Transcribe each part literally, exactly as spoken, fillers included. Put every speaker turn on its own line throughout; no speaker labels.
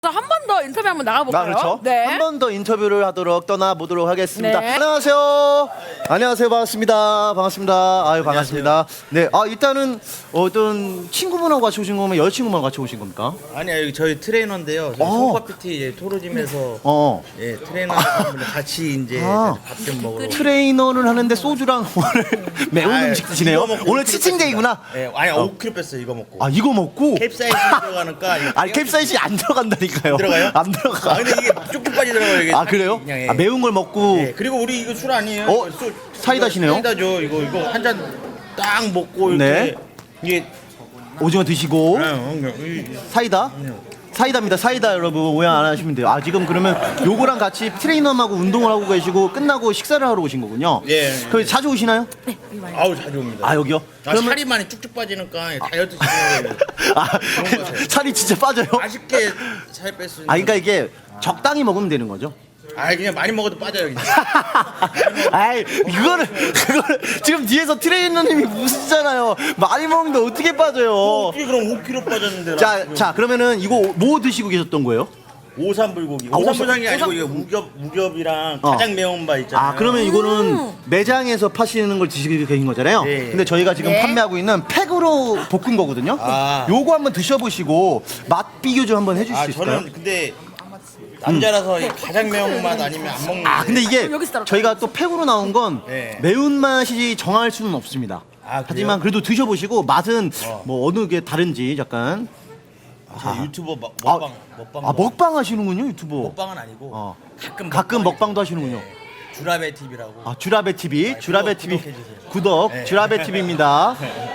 한 번 더 인터뷰 한번 나가볼까요?
아, 그렇죠.
네.
한 번 더 인터뷰를 하도록 떠나보도록 하겠습니다.
네.
안녕하세요. 안녕하세요. 반갑습니다. 반갑습니다. 아유, 반갑습니다. 네. 아, 일단은 어떤 친구분하고 같이 오신 거면 여자친구분하고 같이 오신 겁니까?
아니요, 여기 저희 트레이너인데요. 저희
어.
송파피티 토로짐에서
어.
예, 트레이너분들 같이 이제
아.
밥 좀 먹으러.
트레이너를 하는데 소주랑 오늘 매운
아,
음식 드시네요.
이거 먹고
오늘
오 킬로
치팅데이구나.
뺐습니다. 예, 아니 오 킬로 뺐어요. 이거 먹고.
아, 이거 먹고
캡사이신 들어가니까. 이거
아니, 캡사이신 안 들어간다니까요.
안 들어가요?
안 들어가.
아 근데 이게 쭉쭉 빠지더라고요. 이게
아, 그래요?
그냥, 예.
아, 매운 걸 먹고
예, 그리고 우리 이거 술 아니에요?
어?
이거 술,
사이다시네요?
이거 사이다죠. 이거 이거 한 잔 딱 먹고 이렇게
네.
이게
오징어 드시고
예, 어, 이-
사이다? 사이다입니다. 사이다 여러분 오해 안 하시면 돼요. 아, 지금 그러면 요거랑 같이 트레이너하고 운동을 하고 계시고 끝나고 식사를 하러 오신 거군요.
예.
그럼 자주 오시나요?
아우 자주 옵니다.
아, 여기요?
아, 살이 많이 쭉쭉 빠지니까 다이어트 시키는
아, 살이 진짜 빠져요?
맛있게 살 뺄 수 있는.
아, 그러니까 이게 적당히 먹으면 되는 거죠.
아 그냥 많이 먹어도 빠져요. 그냥.
아이, 그거를 그거를 지금 뒤에서 트레이너님이 무시잖아요. 많이 먹는데 어떻게 빠져요?
어떻게 그럼 오 킬로 빠졌는데.
자, 자, 그러면은 이거 뭐 드시고 계셨던 거예요?
오삼불고기.
아,
오삼불고기 아니고 이거 우겹 우겹이랑
어.
가장 매운 바 있잖아요.
아, 그러면 이거는 매장에서 파시는 걸 드시고 계신 거잖아요.
네.
근데 저희가 지금
네.
판매하고 있는 팩으로 볶은 거거든요.
아.
요거 한번 드셔보시고 맛 비교 좀 한번 해주실
아
수 있을까요?
저는 근데 남자라서 이 가장 매운 맛 아니면 안 먹는.
아, 근데 이게
그럼 여기서 따로
저희가 또 팩으로 나온 건
네.
매운맛이 정할 수는 없습니다.
아, 그래요?
하지만 그래도 드셔보시고 맛은
어.
뭐 어느 게 다른지 약간.
제 유튜버 먹-
아,
먹방 먹방.
아, 먹방 하시는군요, 유튜버.
먹방은 아니고
어.
가끔
가끔
먹방이
먹방도
있어요.
하시는군요.
네. 주라베 티비라고.
아, 주라베 티비,
아,
주라베
구독,
티비
구독해주세요.
구독,
네.
주라베 티비입니다.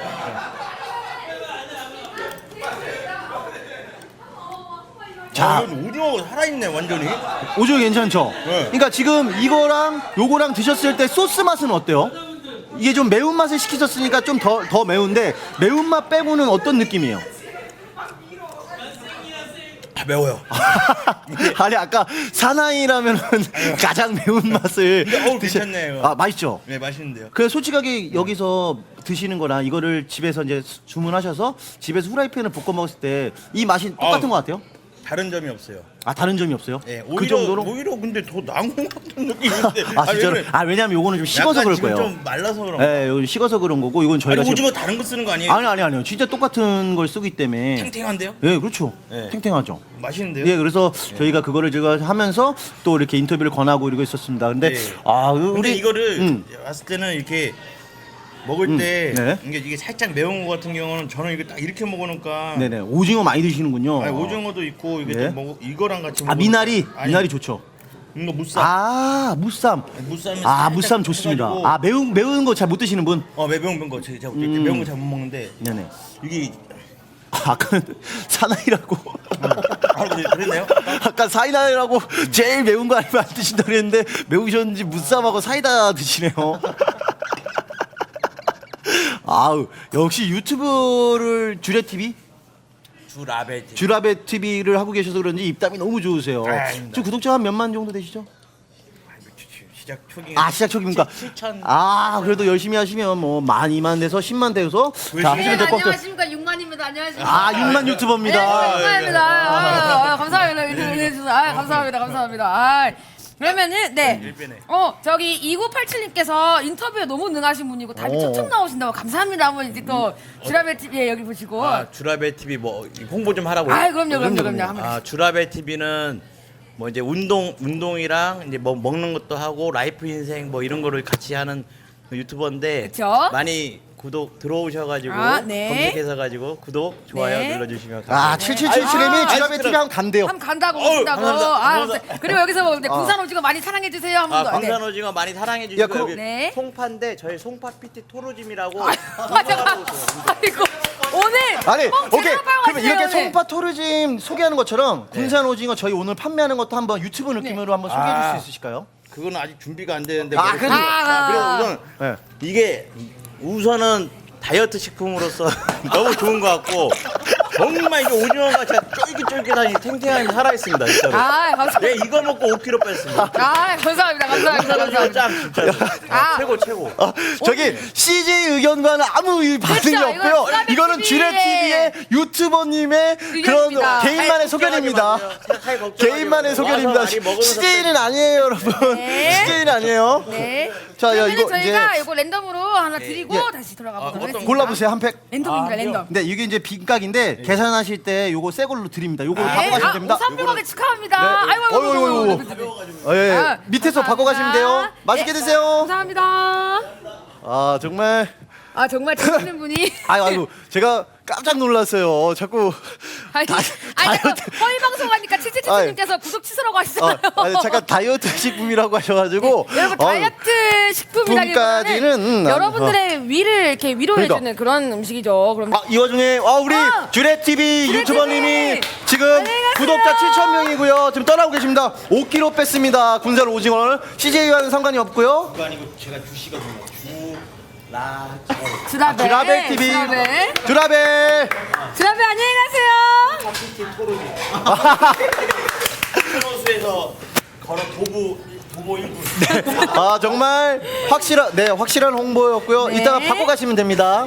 자,
자,
오징어 살아있네 완전히.
오징어 괜찮죠?
네.
그러니까 지금 이거랑 요거랑 드셨을 때 소스 맛은 어때요? 이게 좀 매운맛을 시키셨으니까 좀 더 더 매운데 매운맛 빼고는 어떤 느낌이에요?
아 매워요.
아니, 아까 사나이라면은 가장 매운맛을
근데 어우, 괜찮네요.
아, 맛있죠?
네 맛있는데요.
그래, 솔직하게 여기서 드시는 거랑 이거를 집에서 이제 수- 주문하셔서 집에서 후라이팬을 볶아 먹었을 때 이 맛이 똑같은
아우.
것 같아요?
다른 점이 없어요.
아, 다른 점이 없어요?
네,
그
오히려,
정도로?
오히려 근데 더 나은 것 같은 느낌인데.
아,
왜
진짜로?
그래?
아, 왜냐면 요거는 좀 식어서
약간
그럴
지금
거예요.
좀 말라서 그런 거.
예, 요거 식어서 그런 거고 이건 저희가
아니,
지금
오징어 다른 거 쓰는 거 아니에요?
아니 아니 아니요. 진짜 똑같은 걸 쓰기 때문에
탱탱한데요?
예, 그렇죠.
네.
탱탱하죠.
맛있는데요?
예, 그래서 저희가 그거를 제가 하면서 또 이렇게 인터뷰를 권하고 이러고 있었습니다. 근데
네.
아,
근데
우리
이거를
음.
봤을 때는 이렇게 먹을
음,
때
네.
이게, 이게 살짝 매운 거 같은 경우는 저는 이거 딱 이렇게 먹으니까
네네, 오징어 많이 드시는군요.
아니, 오징어도 있고 이게
네.
또 먹, 이거랑 같이
아,
먹으니까-
미나리,
아니,
미나리 좋죠.
이거 무쌈.
아, 무쌈.
무쌈이
아,
살짝
무쌈 좋습니다.
해가지고-
아, 매운 매운 거 잘 못 드시는 분.
어 매운 거 제가 제가
음.
매운 거 잘 못 먹는데
네네.
이게
아까 사나이라고.
아 그래, 그랬나요?
아까 사이다라고 제일 매운 거 아니면 안 드신다 그랬는데 매우셨는지 무쌈하고 사이다 드시네요. 아우, 역시 유튜브를 주레 티비,
주라베
주라베 티비를 하고 계셔서 그런지 입담이 너무 좋으세요.
아, 아닙니다.
지금 구독자 한 몇만 정도 되시죠?
시작 초기.
아, 시작 초기입니까?
칠천.
아, 그래도 열심히 하시면 뭐 만, 이만 돼서 십만 돼서 자,
네,
하시면 될 것 같아요.
안녕하십니까 육만입니다. 안녕하십니까.
아, 육만 유튜버입니다.
네, 감사합니다. 아, 아, 감사합니다. 인터뷰해 주셔서 아, 감사합니다. 감사합니다. 아, 그러면은 네.
일변에.
어, 저기 이구팔칠님께서 인터뷰에 너무 능하신 분이고 답이
오.
촉촉 나오신다고 감사합니다. 한번 이제 또 주라베 티비에 여기 보시고.
아 주라베 티비 뭐 홍보 좀 하라고요.
아, 그럼요, 그럼요,
그럼요,
그럼요.
그럼요.
한번
아 주라베 티비는 뭐 이제 운동 운동이랑 이제 뭐 먹는 것도 하고 라이프 인생 뭐 이런 거를 같이 하는 유튜버인데
그쵸?
많이 구독 들어오셔가지고
아, 네.
검색해서 가지고 구독 좋아요
네.
눌러주시면
아,
감사합니다.
칠칠칠칠님이
아,
주라베
아이스크림.
티비 하면 간대요.
한번 간다고
어우,
오신다고.
감사합니다.
아,
감사합니다.
그리고 여기서 이제 군산 오징어 많이 사랑해 주세요. 한 번
아
더.
광산
네.
오징어 많이 사랑해 주시고
야, 그럼-
여기
네.
송파인데 저희 송파피티 토로짐이라고
맞아. 아이고 오늘
아니,
꼭
오케이.
제대로 빨고
그러면 이렇게
왔어요,
송파 토르짐 소개하는 것처럼
네.
군산 오징어 저희 오늘 판매하는 것도 한번 유튜브 느낌으로 한번 소개해 줄 수
아.
있으실까요?
그거는 아직 준비가 안 되는데
아,
뭐
그래도-
아, 그래서 우선
네.
이게 우선은 다이어트 식품으로서 너무 좋은 것 같고 정말 이게 오징어가 진짜 쫄깃쫄깃하니 탱탱하니 살아있습니다 진짜로.
아, 감사합니다.
네 이거 먹고 오 킬로그램 뺐습니다.
아, 감사합니다. 감사합니다.
오징어
감사합니다.
짱 진짜로.
아.
최고 최고.
어, 저기 씨제이 의견과는 아무 이 반응이
그렇죠,
없고요.
이건 주라베
이거는
티비의
주레티비의 유튜버님의 그런
의견입니다.
개인만의 소견입니다. 개인만의 소견입니다. 씨제이는 아니에요, 여러분.
네.
씨제이는 아니에요.
네.
자, 야,
그러면
이거
저희가
이제
이거 랜덤으로 하나 드리고
예.
다시 돌아가
아,
보도록
어떤
하겠습니다.
골라보세요, 한 팩.
랜덤입니다,
아,
랜덤.
네, 이게 이제 빈각인데 계산하실 때 요거 새 걸로 드립니다. 요거로 바꿔
네.
가시면
아,
됩니다.
오삼백 원에 축하합니다.
네.
아이고, 아이고,
어이구,
아이고,
어이구,
아이고.
어, 예, 예.
아,
밑에서 바꿔 가시면 돼요. 맛있게
네.
드세요.
감사합니다.
아, 정말
아, 정말 재밌는 분이.
아유, 아이고, 제가 깜짝 놀랐어요. 자꾸
아니,
다-
아니,
다이어트-
자꾸 허위 방송하니까 치치치치님께서 구독 취소라고
어,
하시잖아요.
아니, 잠깐 다이어트 식품이라고 하셔가지고
여러분
어,
다이어트 식품이라기보다는
식품까지는,
여러분들의 위를 이렇게 위로해주는
그러니까.
그런 음식이죠. 그럼
아, 이 와중에 아, 우리
아,
주레티비
주레
유튜버님이
티비.
지금
안녕히 가세요.
구독자 칠천 명이고요. 지금 떠나고 계십니다. 오 킬로그램 뺐습니다. 군살 오징어를 씨제이와는 상관이 없고요.
그거 아니고 제가 주시거든요. 주라.
주라벨
주라벨 티비.
주라벨
주라벨.
주라벨 안녕히 가세요.
선수에서 걸어 도보 도보 일 분.
아, 정말 확실한 네 확실한 홍보였고요.
네.
이따가 바꿔 가시면 됩니다.